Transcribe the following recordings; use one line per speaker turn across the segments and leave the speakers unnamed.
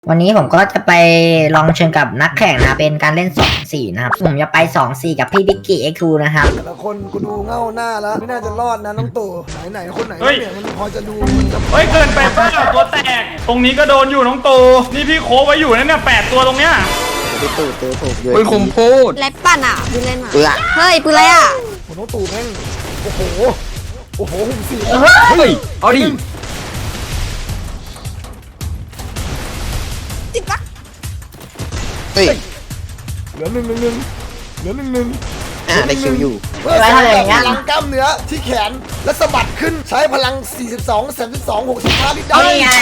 วันนี้ผมก็จะไปลองเชิญกับนักแข่งนะเป็นการเล่น2-4นะครับผมจะไป2-4กับพี่บิ๊กกี้เอ็กซ์ทูนะครับ
แต่ละคนกูดูเง่าหน้าแล้วไม่น่าจะรอดนะน้องตู่ไหนคนไหนเนี่ยมันพอจะดูมันจะ
เฮ้ยเกินไปเปล่าตัวแตกตรงนี้ก็โดนอยู่น้องตูนี่พี่โคไว้อยู่นั่นเนี่ย8 ตัวตรงเนี้ย
ไปตู่เจอผมเยอะ
ปืนคมพูด
แรปปั่นอ่ะปืนเล่นอ่ะ
เปื่อ
เฮ้ยปืนอะไรอ่ะ
ผมน้องตู่แม่งโอ้โหหุ่นสี่
เฮ้ยเอาดิ
จิ๊บปัก
เฮ้ย
เหลือหนึ่ง
ได้คิวอยู่
เพื่อใช้พลังกล้ามเนื้อที่แขนและสะบัดขึ้นใช้พลัง42 32 65ลิตรได้
นี่ไง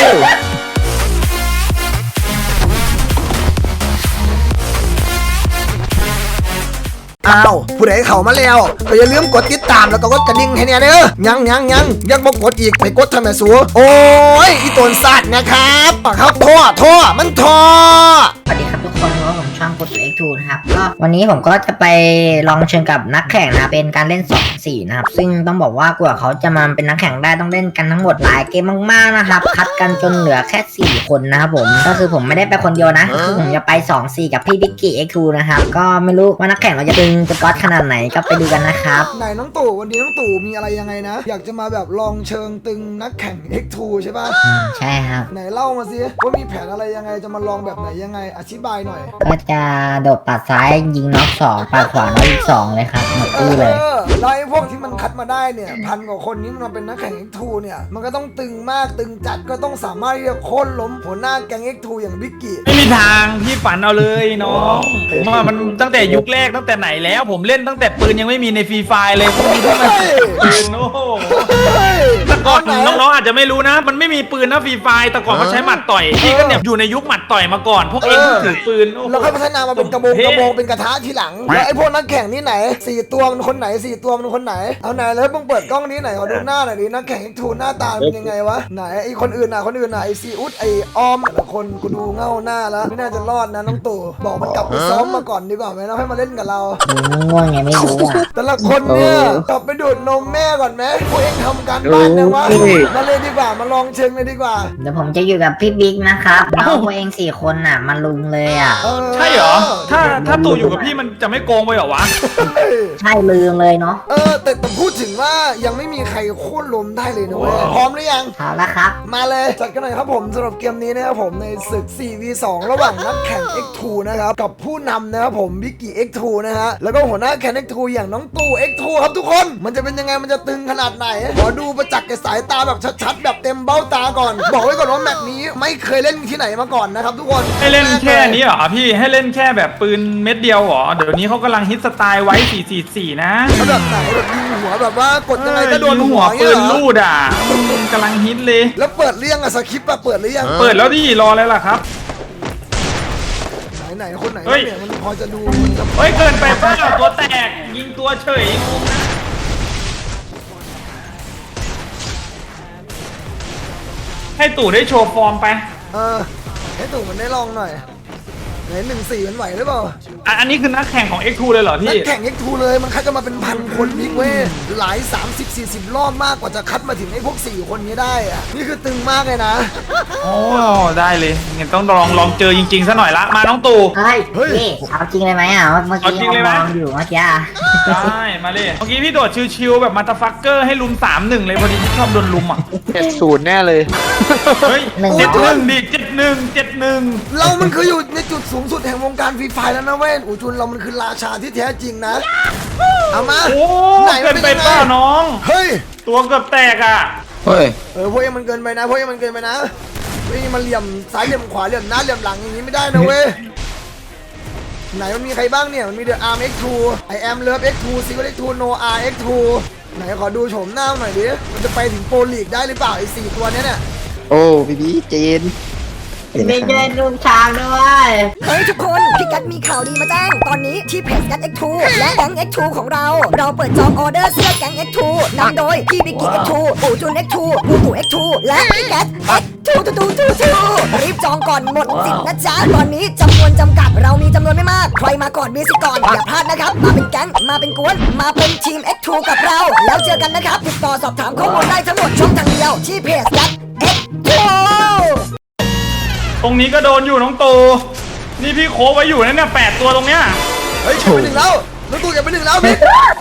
อ้าวผู้ใดเข้ามาแล้วก็อย่าลืมกดติดตามแล้วก็กดกระดิ่งให้เนี่ยเด้อยังบ่กดอีกไปกดทำไมสัวโอ้ยอีตนสัตว์นะครับครับท่อมันท่อ
สวัสดีครับทุกคนผมช่างกดเอ็กซ์ทูนะครับก็วันนี้ผมก็จะไปลองเชิญกับนักแข่งนะเป็นการเล่น2-4นะครับซึ่งต้องบอกว่ากว่าเขาจะมาเป็นนักแข่งได้ต้องเล่นกันทั้งหมดหลายเกมมากๆนะครับคัดกันจนเหลือแค่4คนนะครับผมก็คือผมไม่ได้ไปคนเดียวนะคือผมจะไป2-4กับพี่บิ๊กกี้เอ็กซ์ทูนะครับก็ไม่รู้ว่านักแข่งเราจะตึงจะก๊อตขนาดไหนก็ไปดูกันนะครับ
ไหนน้องตู่วันนี้น้องตู่มีอะไรยังไงนะอยากจะมาแบบลองเชิงตึงนักแข่ง X2 ใช่ป่ะ
ใช่ครับ
ไหนเล่ามาสิว่ามีแผนอะไรยังไงจะมาลองแบบไหนยังไงอธิบายหน่อย
ก็จะโดดปัดซ้ายยิงน็อก2ปัดขวาน็อกอีก2เลยครับหมดตี้เลย
แล้วไอ้พวกที่มันคัดมาได้เนี่ยพันกว่าคนนี้มันเป็นนักแข่ง X2 เนี่ยมันก็ต้องตึงมากตึงจัดก็ต้องสามารถที่จะโค่นล้มหัวหน้าแก๊ง X2 อย่างบิ๊กกี้
ไม่มีทางพี่ฝันเอาเลยน้องผมว่ามันตั้งแต่ยุคแรกตั้งแต่ไหนแล้วผมเล่นตั้งแต่ปืนยังไม่มีในฟรีไฟเลยพวกนี้ที่มันปืนโอ้โหแต่ก่อนน้องๆอาจจะไม่รู้นะ มันไม่มีปืนนะฟรีไฟแต่ก่อนเขาใช้หมัดต่อยพี่ก็เนี่ยอยู่ในยุคหมัดต่อยมาก่อนพวกเองเพิ่งถือปืนโอ้โห
แล้วค่อยพัฒนามาเป็นกระบงเป็นกระทะทีหลังแล้วไอ้พวกนักแข่งนี่ไหน4ตัวมันคนไหน4ตัวมันคนไหนเอาไหนแล้วมึงเปิดกล้องนี้ไหนขอดูหน้าหน่อยดินักแข่ง X2 หน้าตาเป็นยังไงวะไหนไอ้คนอื่นน่ะไอ้ซีอุดไอ้ออมแต่ละคนกูดูเง่าหน้าแล้วไม่น่าจะรอดนะน้องตู่บอกมันกลับไปซ้อมมาก่อนดีกว่าไหมแล้วให้มาเล่นกับเรา
ง่วงไงไม่รู้อ่ะ
แต่ละคนเนี่ยกลับไปดูดนมแม่ก่อนไหมพวกเองทำการบ้านนะวะมาเลยดีกว่ามาลองเชิงเลยดีกว่า
เดี๋ยวผมจะอยู่กับพี่บิ๊กนะครับน้องตัวเอง4 คนน่ะมันลุมเลยอ่ะ
ใช่เหรอถ้าตู่อยู่กับพี่มันจะไม่โกงไปเหรอวะ
ใช่ลืมเลยเนาะ
แต่พูดถึงว่ายังไม่มีใครโค่นล้มได้เลยนะเว้ยพร้อมหรือยัง
เอาละครับ
มาเลยจัดกันหน่อยครับผมสำหรับเกมนี้นะครับผมในศึก 4v2 ระหว่างนักแข่ง X2 นะครับกับผู้นำนะครับผมบิ๊กกี้ X2 นะฮะแล้วก็หัวหน้าแข่ง X2 อย่างน้องตู่ X2 ครับทุกคนมันจะเป็นยังไงมันจะตึงขนาดไหนขอดูประจักษ์กับสายตาแบบชัดๆแบบเต็มเบ้าตาก่อนบอกไว้ก่อนว่าแมตช์นี้ไม่เคยเล่นที่ไหนมาก่อนนะครับทุกคน
ให้เล่นแค่นี้เหรอพี่ให้เล่นแค่แบบปืนเม็ดเดียวเหรอเดี๋ยวนี้เขากำลังฮิตสไตล์ไว้444นะ
เขาแบบไหนแบบยิงหัวแบบว่ากดยังไงก็โดน
ยิง
หั
หั
ว
วปืนลูดอ่ะกำลังฮิตเลย
แล้วเปิดเรื่องอะสคริปต์อะเปิดหรือยัง
เปิดแล้วดิรอเลยล่ะครับ
ไหนคนไหน
เฮ้ย
เนี่ยมันพอจะดูมันจะ
เฮ้ยเกินไปเปล่าตัวแตกยิงตัวเฉยงงนะให้ตู่ได้โชว์ฟอร์มไป
ให้ตู่มันได้ลองหน่อยไหน1-4มันไหวหรือเปล่า
อันนี้คือนักแข่งของ X2 เลยเหรอ
นั
พี่
กแข่ง X2 เลยมันคัดกันมาเป็นพันคนบิ๊กเว้ยหลาย30-40 รอบมากกว่าจะคัดมาถึงไอ้พวก4คนนี้ได้อะนี่คือตึงมากเลยนะ
โอ้ได้เลยงั้นต้องลองเจอจริงๆซะหน่อยละมาน้องตู่
เฮ้ยนี่เอาจริงเลยไหมอ่ะเมื่อ
เอา
กี้
จริงเลยไหม
มองอยู่เมื่อกี้อะ
ได้มาเลยเมื่อกี้พี่โดดชิวๆแบบมาตาฟักเกอร์ให้ลุม3-1เลยพอดีพี่ชอบโดนลุมอ่ะ
70แน่เลย
เฮ้ย71ดิ71
เรามันคืออยู่ในจุดสูงสุดแห่งวงการฟรีไฟแล้วนะเว้ยอูจุนเรามันคือราชาที่แท้จริงนะเอามา
โอ้
ไหนมั
เกิ
น
น
เป็น
ไป
ยังไง
เปล่าน้อง
เฮ้ย
ตัวเกือบแตกอ่ะ
เฮ้ย
พวกเองมันเกินไปนะพวกเองมันเกินไปนะพวกเองมันเหลี่ยมซ้ายเหลี่ยมขวาเหลี่ยมหน้าเหลี่ยมหลังอย่างนี้ไม่ได้นะเว้ยไหนมันมีใครบ้างเนี่ยมันมีเดอะอาร์ม X2 I am Love X2 Secret X2 Noah X2 ไหนขอดูโฉมหน้าหน่อยดิมันจะไปถึงโปรลีกได้หรือเปล่าไอ้4ตัวเนี้ยเนี่ย
โอ้พี่บีเจน
ไม่เจอลุงช้างด้วย
เฮ้ยทุกคนพี่กัดมีข่าวดีมาแจ้งตอนนี้ที่เพจกัด X2 และแก๊ง X2 ของเราเปิดจองออเดอร์เสื้อแก๊ง X2 นำโดยพี่บิ๊กกี้ X2 ปู่จุน X2 ปู่ตู่ X2 และพี่กัด X2 รีบจองก่อนหมดสิทธิ์นะจ๊ะตอนนี้จำนวนจำกัดเรามีจำนวนไม่มากใครมาก่อนมีสิทธิ์ก่อนอย่าพลาดนะครับมาเป็นแก๊งมาเป็นกวนมาเป็นทีม X2 กับเราแล้วเจอกันนะครับติดต่อสอบถามข้อมูลได้ทั้งหมดช่องทางเดียวที่เพจกัด X2
ตรงนี้ก็โดนอยู่น้องตูนี่พี่โคไว้อยู่นั่นเนี่ย8 ตัวตรงเนี้ย
เฮ้ยเก็บไปหนึ่งแล้วน้องตู่เก็บไปหนึ่งแล้วบิ๊ก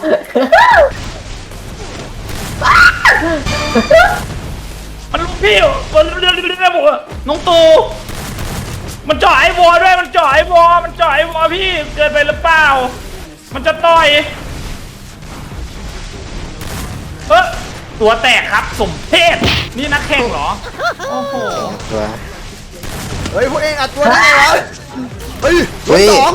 มันลุกพี่มันเรื่องบอกว่าน้องตูมันเจาะไอ้วอด้วยมันเจาะไอ้วอพี่เกินไปหรือเปล่ามันจะต่อยตัวแตกครับสมเพศนี่นักแข่งเหรอโอ้โห
ตัว
เฮ้ยพวกเองอัดตัวได้ไงวะเฮ้ย
เฮ้ย
สอง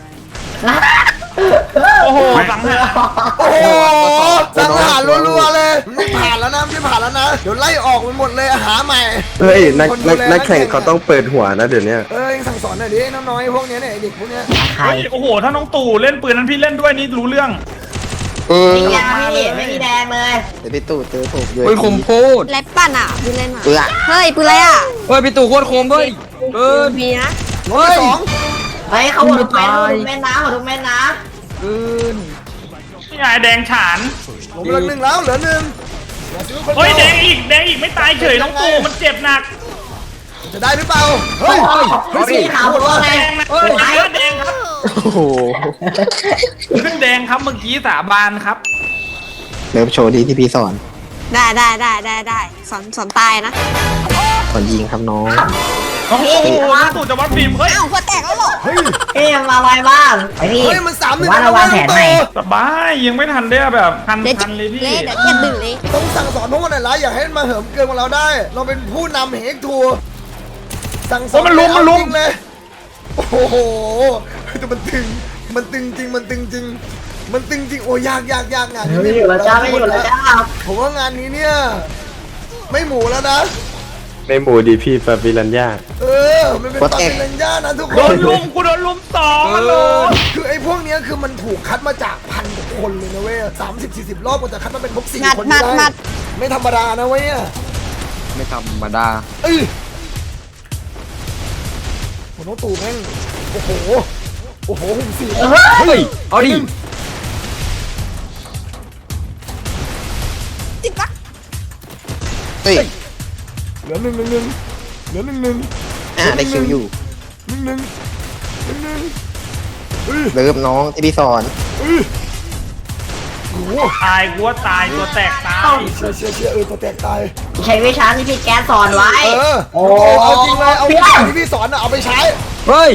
โอ้โหสังหาร
โอ้โหสังหารรัวๆเลยไม่ผ่านแล้วนะไม่ผ่านแล้วนะเดี๋ยวไล่ออกมันหมดเลยหาใหม่
เฮ้ยนัก
คนดูแล
นักแข่งเขาต้องเปิดหัวนะเดี๋ยวนี้
เองสั่งสอนหน่อยดิน้อยๆพวกเนี้ยเนี่ยไอ้เด็กพวกเนี้ย
ใคร
เฮ้ยโอ้โหถ้าน้องตู่เล่นปืนนั้นพี่เล่นด้วยนี่รู้เรื่อง
นี่ยังพี่ไม่มีแดงเลย
เดี๋ยวพี่ตู่เจอผมเลย
เฮ้ยคมโคตร
ไรปั่นอ่ะปืนเล่นอ่ะ
เปื่อ
เฮ้ยปืนอะไรอ่ะ
เฮ้ยพี่ตู่โคตรคมเฮ้ยเกิน
มีนะ
เฮ้ย
สอง
เฮ้ยเขาหมดทุกเม็ดนะหมดทุกเม็ดนะ
เกิน
นี่ไงแดงฉาน
ผมเหลือหนึ่งแล้วเหลือหนึ่ง
เฮ้ยแดงอีกไม่ตายเฉยน้องตู่มันเจ็บหนัก
จะได้หรือเปล่าเฮ้ย
สีขาวหมดว่าไง
แดงนะแดงครับ
โอ้โห
ขึ้นแดงครับเมื่อกี้สาบานครับ
เริ่มโชว์ดีที่พี่สอน
ได้สอนตายนะ
สอนยิงครับน้อง
พี่
โอ้โหน้องตู่จะวัดฟิล์มเฮ้ย
อ้าวหัวแตกแล้วเหรอ
เฮ้ย
พี่มาไวบ้างไอพี่
เฮ้ยมัน3-1
ว่าระวังแผนใหม่
สบายยังไม่ทันได้แบบทันเลยพี่
เละเดี๋ยวเจ็บดึงเลย
ต้องสั่งสอนพวกมันหน่อยละอย่าให้มันมาเหิมเกินของเราได้ เราเป็นผู้นำเฮกทัวร์สั่งสอน
มันลุม
จริงเลยโอ้โหแต่มันตึงจริงมันตึงจริงโอ้ยากงานนี้
ไม่อยู่แล้วจ้าไม่อยู่แล้วจ้า
ผมว่างานนี้เนี่ยไม่หมูแล้วนะ
ในหมู่ดีพี่ฟาบิลันยา
มันเป็นปาปิรัญญานะทุกค
โด
น
นลุมกูโดนลุม2มันเลย
คือไอ้พวกเนี้ยคือมันถูกคัดมาจากพันกว่าคนเลยนะเว้ย30-40 รอบกว่าจะคัดมาเป็นพวก4
งัด
คน
มั
ได้
ดมัด
ไม่ธรรมดานะเว้ย
ไม่ธรรมดา
ผมต้องตู่แม่งโอ้โหหุ่นสี
เฮ้ยเอาดิ
ติดปะ
เฮ้ย
เหลือหนึ่งเหลือหนึ่ง
ได้คิวอยู่
หนึ่ง
เริ่มน้องที่พี่สอน
โอ้โห
ตายกูว่าตายตัวแตกตาย
เชียตัวแตกตาย
ใช้วิชาที่พี่แก๊สสอนไว้
โอ้เอาจริงเลยเอาวิชาที่พี่สอนเอาไปใช้
เฮ้ย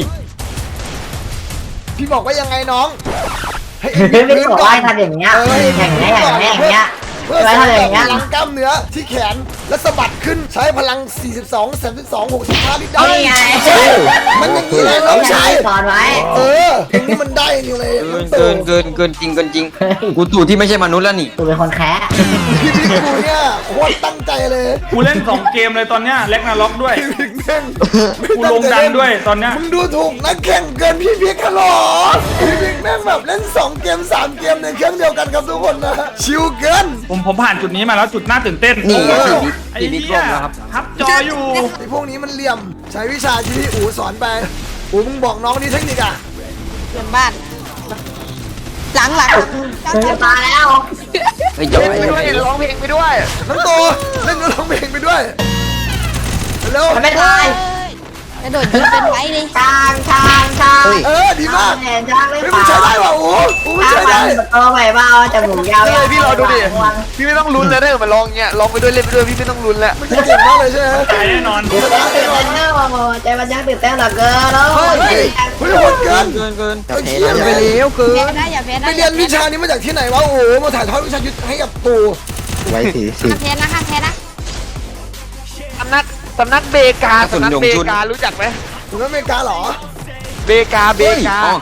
พี่บอกว่ายังไงน้องให้
ไม่บอกว่าทำอย่างเงี้ยอย่างเงี้ย
เพื่อ
ไว้
สร้าง
ทำอย่างเงี้ย
พลังกล้ามเนื้อที่แขนและสะบัดขึ้นใช้พลัง 42 32 65ลิตรได้
นี่ไง
มันอย่างนี้เลยน้องชาย
สอนไว้
ตรงนี้มันได้จริงเลย
เกินจริงกูตู่ที่ไม่ใช่มนุษย์แล้วนี่
ตัวเป็นคนแคะ
พี่บิ๊กกูเนี่ยโคตรตั้งใจเลย
กูเล่น2 เกมเลยตอนเนี้ยเล็กนาล็อกด้วย
พี่บิ๊กแม่ง
กูลงดันด้วยตอนเนี้ย
มึงดูถูกนักแข่งเกินพี่บิ๊กขลอพี่บิ๊กแม่งแบบเล่น2 เกม 3 เกมในเครื่องเดียวกันครับทุกคนนะชิวเกิน
ผมผ่านจุดนี้มาแล้วจุดน่าตื่นเต้น
นี่
เออ
ไอ้
พี่บิ๊ก
เหี้
ล
ย
งแล้วครับ
ทับจออยู่
ไอ้พวกนี้มันเหลี่ยมใช้วิชาที่พี่อู๋สอนไปอู๋มึงบอกน้องนี่เทคนิคอะ
เพื่อนบ้าน หลัง
มาแล้ว
เฮ้ยจะไป
ร้องเพลงไปด้วยน้องโตเล่นร้องเพลงไปด้วยเร็ว
มันไม่ตาย
กระโดดยิงเป็นไว้เลย
ช้าง
ดีมาก
เห็นช้างเลย
เฮ้ยมึงใช้ได้ป่ะอู๋มึง
ช้าง
ใช้
มั
ได้
นโตใหม่บ้าจมูกยาว
พี่รอดูดิ พี่ไม่ต้องลุ้นแล้วถ้าเกิดมันร้องเงี้ยร้องไปด้วยเล่นไปด้วยพี่ไม่ต้องลุ้นแล้ว
มึงจะเก่งมากเลยใช่ไหม
ตายแน่นอน
ตื่นเต้นใจมันยังตื่นเต้นเหลือเกินแล้ว
เฮ้ยโหดเกิน
เกิน
ไอ้เหี้ย
ไปแล้วเกิ
แพ้
น
ได้อย่าแพ้ได้
ไปเรียนวิชานี้มาจากที่ไหนวะโอ้โหมาถ่ายทอดวิชายุทธให้กับตู่
ไว้ถือสิ
ห้ามแพ้นะห้ามแพ้นะ
สำนักเบกาสำนักเบการู้จักไหม
ถึงอเมริกาเหรอ
เบกา
เฮ้ย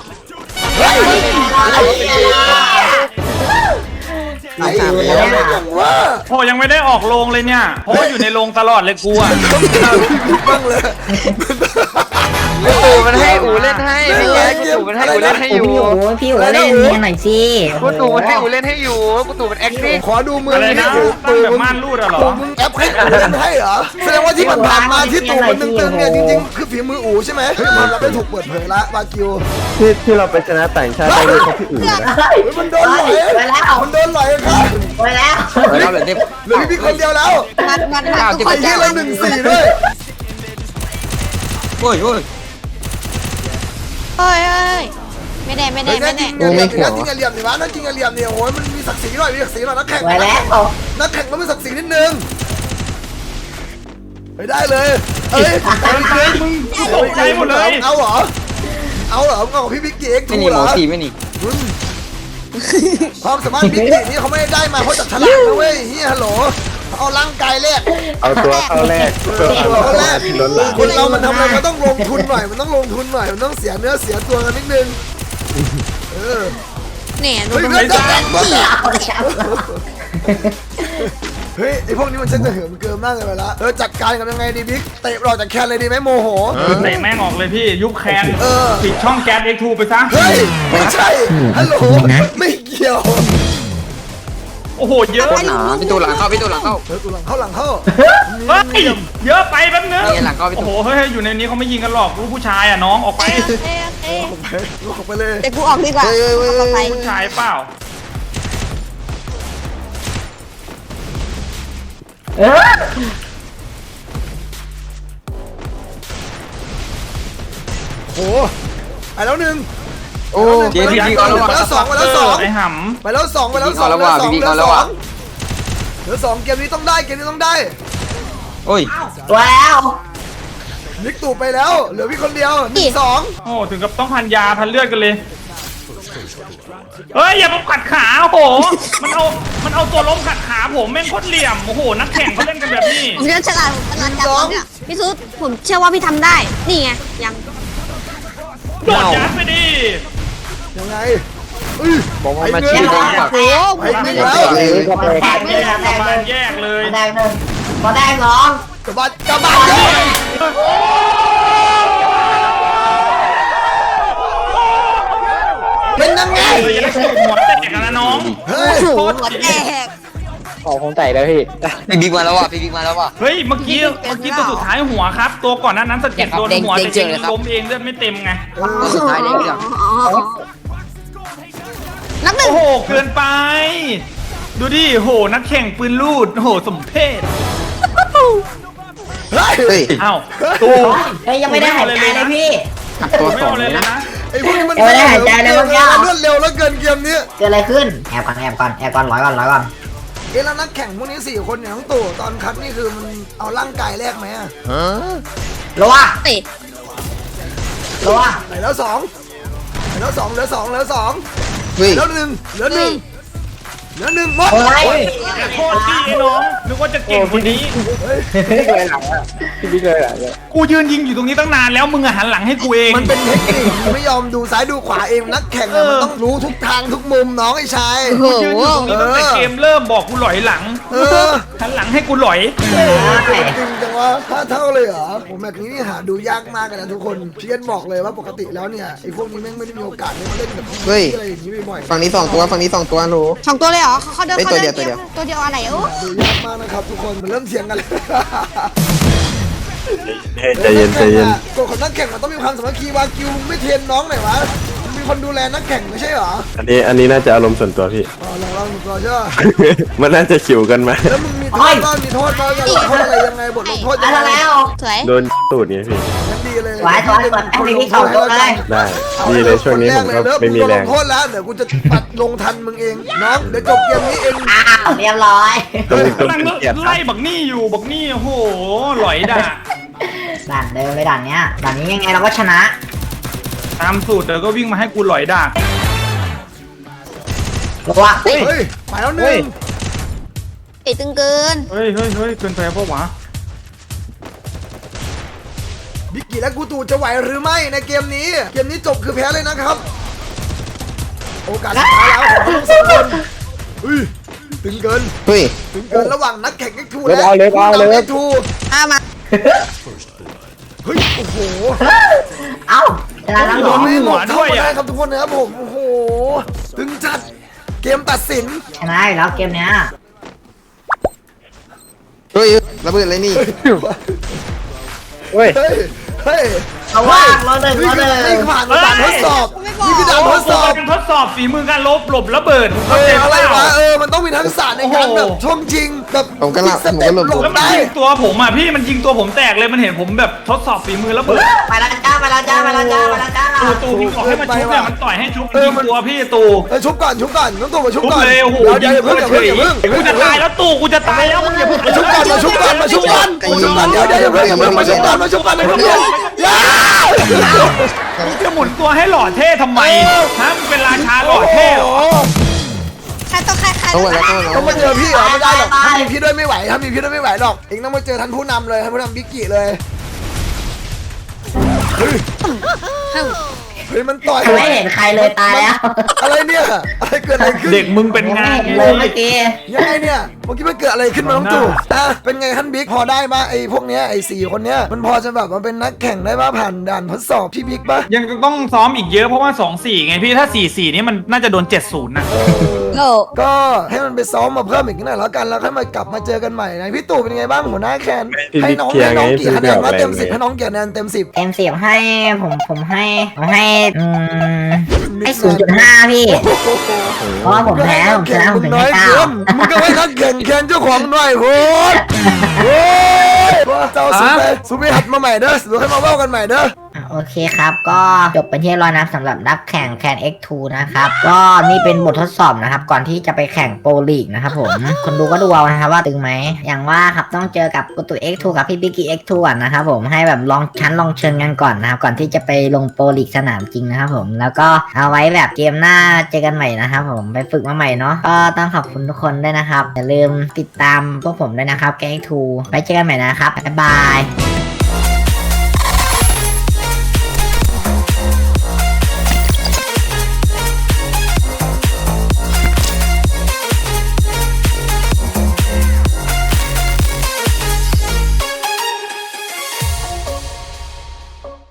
ไอ้เหี้ยอย่างว่า
โอ้ยังไม่ได้ออกโรงเลยเนี่ยเพราะว่าอยู่ในโรงตลอดเลยกูอ่ะ
บ้างเลย
ตู่มันให้อูเล่นให้พี่แกกูตู่มันให้อูเล่นให้อยู่
พี่อู๋เล่นเมียหน่อยสิ
กูตู่มันให้อูเล่นให้อยู่กูตู่มันแอคติ้ง
ขอดูมือ
อะไร
นี่
นะ
ตู่
ตั้งแบบม่านรูดอะเหรอ
ตู่มึงแอปให้อูเล่นให้เหรอแสดงว่าที่ผ่านมาที่ตู่มันตึงๆเนี่ยจริงๆคือฝีมืออูใช่ไหมเฮ้ยมันรับได้ถูกเปิดเผยละบากิว
ที่เราไปชนะต่างชาติได้เลยเพราะพี่อื่นนะ
เฮ้ยมันโดนหลอย
ไปแล้ว
มันโดนหลอยครับ
ไปแล้ว
เราแบบนี้
เหลือพี่คนเดียวแล้ว
มัน
ไอ้เหี้ยเรา1-4ด้วย
โอ้ยโอ้ย
เฮ้ยเฮ้ยไม่ได้ไม่ได้
เฮ้ย
ไม่
จริ
ได้
งอย่าเหลี่ยมจริงอย่าเหลี่ยมดิวะนั่นจริงอย่าเหลี่ยมดิโอ้ยมันมีศักดิ์ศรีหน่อยมีศักดิ์ศรีหน่อยนักแข่ง
ไว้แล้ว
นักแข่งต้องมีศักดิ์ศรีนิดนึงไปได้เลยเอ้ย
เฮ้ยมึงตกใจหมดเลย
เอาเหรอเอาของพี่บิ๊กกี้เอ็กซ์
ไม่
ทู
หนี
เห
ห
ร
ม
อ
อสีไม่หนี
ความสามารถบิ๊กกี้นี่เขาไม่ได้มาเพราะจับฉลากนะเว้ยเฮียฮัลโหลเอาร่างกายแรก
เอาตัวเข้าแรกตัวเข้าแรกล้นหลาม
คนเรามันทำอะไรมันต้องลงทุนหน่อยมันต้องลงทุนหน่อยมันต้องเสียเนื้อเสียตัวกันนิดนึงเออ
เนี่ยดู
เฮ้ย
ดู
เฮ้ย
ดู
เอาเลยครับ
เฮ้ยไอพวกนี้มันช่างจะเหิมเกินมากเลยไปละจัดการกันยังไงดีบิ๊กเตะเราจากแคนเลยดีไหมโมโห
เตะแม่งออกเลยพี่ยุบแคน
เออ
ปิดช่องแก๊ส X2 ไปซะ
เฮ้ยไม่ใช่ฮัลโหลไม่เกี่ยว
โอ้โหเยอะ
หนาพี่ตูหลังเข้าพี่ตูหลังเข้า
เฮ้ยกูหลังเข้าหลังเข้า
เฮ้ยเยอะไปแป๊บนึง
นี่หลังเข้าพี่
โอ้
ตู
โหเฮ้ยอยู่ในนี้เขาไม่ยิงกันหรอกรู้ผู้ชายอ่ะน้องออกไป
โอเคโอเค
ลูกออกไปเลย
แต่กูออกดีกว่าปลอดภัย
ผู้ชายเปล่า
โอ้ไปแล้วหนึ่ง
โอ้เดี๋ยวพี่บิ๊กเอาแล้วว่ะ
ไปแล้วสองไปแล้วสอง
ไอ้ห
ไปแล้วสองไปแล้วสอง
พี่บิ๊กเอาแล้วว่ะพี่บิ๊กเอาแล้วว่ะ
เหลือสองเกมนี้ต้องได้เกมนี้ต้องได้
โอ้ย
ตัวแล้ว
นิกตู่ไปแล้วเหลือพี่คนเดียวหนึ่งสอง
ำโอ้ถึงกับต้องพันยาพันเลือดกันเลยเฮ้ยอย่ามาขัดขาโอ้โหมันเอาตัวล้มขัดขาผมแม่งโคตรเหลี่ยมโอ้โหนักแข่งเขาเล่นกันแบบนี้
ผมจะฉลาดจัดเนี่ยพี่ซุดผมเชื่อว่าพี่ทำได้ นี่ไงยัง
โดดยัดไปดิ
ยังไงอุ้ย
บอกว่า
ไอ้
มา
เงิ
ชี้
น
ตรงฝั่ง
โอ้โห
ไอ้
ไม่
เงิน
ได้
แล้ว
แตกเลยครับ
ประมาณแยกเลย
แตกหนึ่งพอแตกสอง
กระบาดกระบาดเลยเป็นยังไง
เฮ้ยอย่าได้หัวแตกกันนะน้อง
เฮ้ย
หัวแตก
พี่บิ๊กมาแล้วว่ะพี่บิ๊กมาแล้วว่ะ
เฮ้ยเมื่อกี้ตัวสุดท้ายหัวครับ ตัวก่อนหนั้นสะเก็ดโดนหัวแต่ยิงล้มเองเลือดไม่เต็มไง
ตัวสุดท้ายเลยพี่ดัง
นับหนึ่ง
โอ้โหเกินไป ดูดิโหนักแข่งปืนลูดโอ้โหสมเพศ
เฮ้ย
เฮ้ย
อ้าว
เฮ้ยยังไม่ได้หายใจเลยพี่
ขับตัว
ไม่
สอง
เอา
เล
เลย
ยนะ
นะ
ไอ้พวกนี้มัน
ไม่ได้หายใจเลยเมื่อกี้
รวดเร็วแล้วเกินเกมนี้
เกิดอะไรขึ้นแอบก่อนร้อยก่อน
เอ๊ะแล้วนักแข่งพวกนี้4คนเนี่ยทั้งตู่ตอนคัดนี่คือมันเอาร่างกายแลกไหมอะ
รัว
เตะ
รัว
ไหนแล้วสองไหนแล้วสองเหลือสองเหลือสอง
เฮ้ย
แล้วหนึ่งเหลือหนึ่งเหลือหนึ่งหมด
โอ้ย
โคตรดีไอ้น้องนึกว่าจะเก่งกว่านี้ กูยืนยิงอยู่ตรงนี้ตั้งนานแล้วมึงอะหันหลังให้กูเอง
มันเป็นเทคนิคมันไม่ยอมดูซ้ายดูขวาเองนักแข่งอะมันต้องรู้ทุกทางทุกมุมน้องไอ้ชาย
โอ้โห
ยืนอยู่ตรงนี้ตั้งแต่เกมเริ่มบอกกูหลอยหลัง
เออ
หันหลังให้กูหลอย
จริงจังวะ5 เท่าเลยเหรอผมแบบนี้นี่หาดูยากมากเลยนะทุกคนเพียนบอกเลยว่าปกติแล้วเนี่ยไอ้พวกนี้แม่งไม่ได้มีโอกาสได้มาเล่นกับพวกนี้อะไรอย่างนี้บ่อยๆ
ฝั่งนี้สองตัวฝั่งนี้สองตัวรู้
สองตัวเลยเหรอเขาเดิน
เฮ้ย
เขาเดิน
ตัวเดียว
ตัวเดียวอะไรโอ้
ดูยากมากนะครับทุกคนมันเริ่มเถียงกันเลย
ใจเย็นใจเย็น
กฎของนักแข่งมันต้องมีความสามัคคีวากิวไม่เทรนน้องหน่อยวะมีคนดูแลนักแข่งไม่ใช่เหรอ
อันนี้น่าจะอารมณ์ส่วนตัวพี่
อ๋อลองก่อนใช่ไหม
มันน่าจะขิวกันมา
แล้วมึงมีโทษบ้างมีโทษบ้างจะลงโทษอะไรยังไงบทลงโทษ
อะ
ยัง
ไร
ไง
แล้ว
สวย
โดนตูดไงพี่
งั้นดีเลย
ไว้ถอยก่อนให้พี่สองตัวเลย
ได้ดีเลยช่วงนี้ผมก็ไม่มีแรง
ลงโทษแล้วเดี๋ยวกูจะปัดลงทันมึงเองน้องเดี๋ยวจบเกมนี้เอง
อ้าวเรียบร้อย
ต้อง
กำลัง
เกลียด
ไล่บักนี่อยู่บักนี่โอ้โหหลอยด่า
ด่านเดิมเลยด่านเนี้ยด่านนี้ยังไงเราก็ชนะ
ตามสูตรเดี๋ยวก็วิ่งมาให้กูหลอยด่า
รัว
เฮ้ยไปแล้วหนึ่ง
เตะตึงเกิน
เฮ้ยเกินไปเพราะวะ
บิกกี้และกูตูจะไหวหรือไม่ในเกมนี้เกมนี้จบคือแพ้เลยนะครับ โอกาสสุดท้ายแล้วของทั้งสองคนเฮ้ยตึงเกิน
เฮ้ย
ถึงเกินระหว่างนักแข่ง X2 และผู้นำ X2
มา
เฮ้ย โอ้โห
เอ้าชนะทั้งสอง
ไม่หมดเข้ามาได้ครับทุกคนนะครับผม โอ้โห ถึงจัดเกมตัดสิน
ชนะอยู่แล้วเกมเนี้ย
เฮ้ยระเบิดเลยนี่
เฮ้ย เฮ้ย
เอาว่างเราหนึ่ง
นี่
เราหนึ่ง
ผ่านด่านทดสอบ
ไม่บบอก
นี่คือด่านทดสอบ
เป็นทดสอบฝีมือการหลบระเบิด
อะไรวะมันต้องมีทักษะในการแบบช่วงจริงแบบ
ผมก็หลบ
สเต็ป
ผมก็หลบ
หล
แล้ว
บ
มัน
ได้
ยิงตัวผมอ่ะพี่มันยิงตัวผมแตกเลยมันเห็นผมแบบทดสอบฝีมือระเบิด
ไปแล้วจ้าไปแล้วจ้าไปแล้วจ้าไปแล้วจ้า
ตูพี่บอกให้มันชุบเนี่ยมันต่อยให้ชุบยิงตัวพี่ตู
ชุบก่อนน้องตู่มาชุบ
ชุบ
ก่อน
เลยโอ้โห
เดี๋ยวอย่าเพิ่งอย่าเพิ่งอย่าเพิ่ง
กูจะตายแล้วตูกูจะตายแล้วมึงอย่าเพิ่ง
มาชุบก่อนมาชุบก่อนเดี๋ยวอย่าเพิ่งมาชุบก่อนอย่า
มึงจะหมุนตัวให้หล่อเท่ทำไมฮะมึงเป็นราชาหล่อเท่เหรอ
ใครต้องใคร
ต้องหมดแล้วต้องหมดแล้ว
ต้องมาเจอพี่เหรอไม่ได้หรอกถ้ามีพี่ด้วยไม่ไหวถ้ามีพี่ด้วยไม่ไหวหรอกเองต้องมาเจอท่านผู้นำเลยท่านผู้นำบิ๊กกี้เลยเฮ้ยมันต่อย
ไม่เห็นใครเลยตายแล้ว
อะไรเนี่ยอะไรเกิดอะไรขึ้น
เด็กมึงเป็นงาน
ไม่เห็นเลยเมื่อกี้
ยังไงเนี่ยเมื่อกี้มันเกิดอะไรขึ้นมาน้องตู่เป็นไงท่านบิ๊กพอได้ปะไอ้พวกเนี้ยไอ้4 คนเนี้ยมันพอจะแบบมาเป็นนักแข่งได้ปะผ่านด่านทดสอบพี่บิ๊กปะ
ยังต้องซ้อมอีกเยอะเพราะว่า 2-4 ไงพี่ถ้า 4-4 นี่มันน่าจะโดน 7-0 นะ
โอ้
ก็ให้มันไปซ้อมมาเพิ่มอีกหน่อยแล้วกันแล้วค่อยมากลับมาเจอกันใหม่นะพี่ตู่เป็นไงบ้างหัวหน้าแคนให้น้องกี่คะแนนว่าเต็ม10ให้น้องกี่คะแนนเต็ม10
เต็ม10ให้ผมให้ให้0.5พี่เพราะว่าผมแพ้ผมชนะผมถึงให้9
มึงก็ให้นักแข่งแคนเจ้าของหน่อยโหดโอ้ยเจ้าสุไปหัดมาใหม่เด้อสุให้มาเว้ากันใหม่เด้อ
โอเคครับก็จบเป็นที่เรียบร้อยนะสำหรับนักแข่งแคน X2 นะครับก็นี่เป็นบททดสอบนะครับก่อนที่จะไปแข่งโปรลีกนะครับผมคนดูก็ดูเอานะครับว่าตึงไหมอย่างว่าครับต้องเจอกับกุตุ X2 กับพี่บิ๊กกี้ X2 ก่อนนะครับผมให้แบบลองเชิญกันก่อนนะครับก่อนที่จะไปลงโปรลีกสนามจริงนะครับผมแล้วก็เอาไว้แบบเกมหน้าเจอกันใหม่นะครับผมไปฝึกมาใหม่เนาะก็ต้องขอบคุณทุกคนด้วยนะครับอย่าลืมติดตามพวกผมด้วยนะครับแก๊ง X2 ไว้เจอกันใหม่นะครับบ๊ายบาย